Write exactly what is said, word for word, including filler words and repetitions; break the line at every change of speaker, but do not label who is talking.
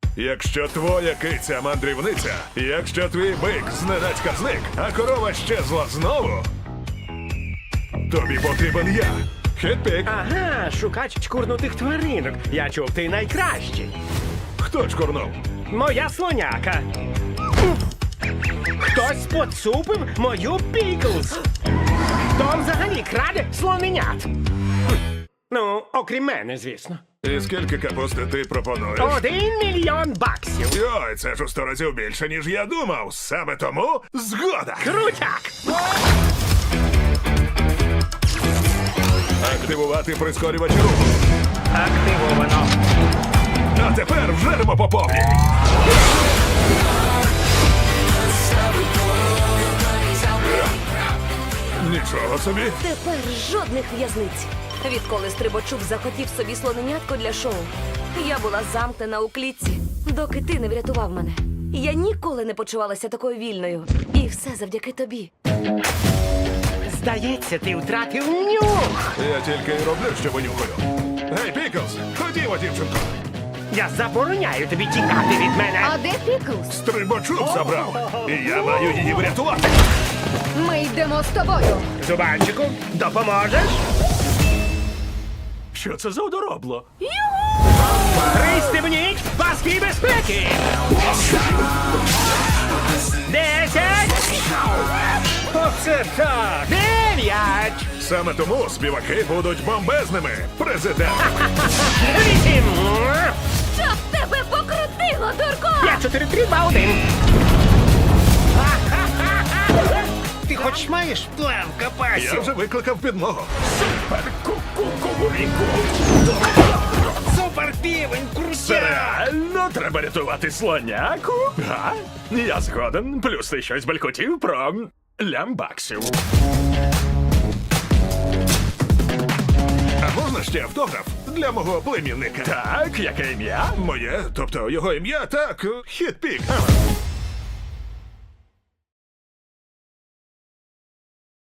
Якщо твоя киця мандрівниця, якщо твій бик зненацька зник, а корова щезла знову, тобі потрібен я. Хетпік.
Ага, шукач чкурнутих тваринок. Я чув, ти найкращий.
Хто чкурнув?
Моя слоняка. Хтось поцупив мою Піклз. Хто взагалі краде слоненят? Хм. Ну, окрім мене, звісно.
І скільки капусти ти пропонуєш?
Один мільйон баксів.
Йой, це ж у сто разів більше, ніж я думав. Саме тому згода.
Крутяк!
Активувати прискорювач руху.
Активовано.
А тепер вжеремо по повній. Нічого собі.
Тепер жодних в'язниць. Відколи Стрибачук захотів собі слоненятко для шоу, я була замкнена у клітці, доки ти не врятував мене. Я ніколи не почувалася такою вільною. І все завдяки тобі.
Здається, ти втратив нюх.
Я тільки й роблю, що винюхаю. Гей, Піклз, ходімо, дівчинко.
Я забороняю тобі тікати від мене.
А де Піклз?
Стрибачок забрав. І я маю її врятувати.
Ми йдемо з тобою.
Зубанчику, допоможеш?
Що це за одоробло?
Пристебніть паски безпеки! Десять! Оце так! Дев'ять!
Саме тому співаки будуть бомбезними. Президент.
Вісім!
Щоб тебе покрутило, дурко!
П'ять, чотири, три, два, один! Ти хоч маєш план
Я
капасів?
вже викликав підмогу.
Супер півень, крутяк!
Реально треба рятувати слоняку? Га? Я згоден. Плюс ти щось балькотів про лямбаксів.
А можна ще автограф для мого племінника?
Так, яке ім'я?
Моє, тобто його ім'я, так, Хітпік. Ага.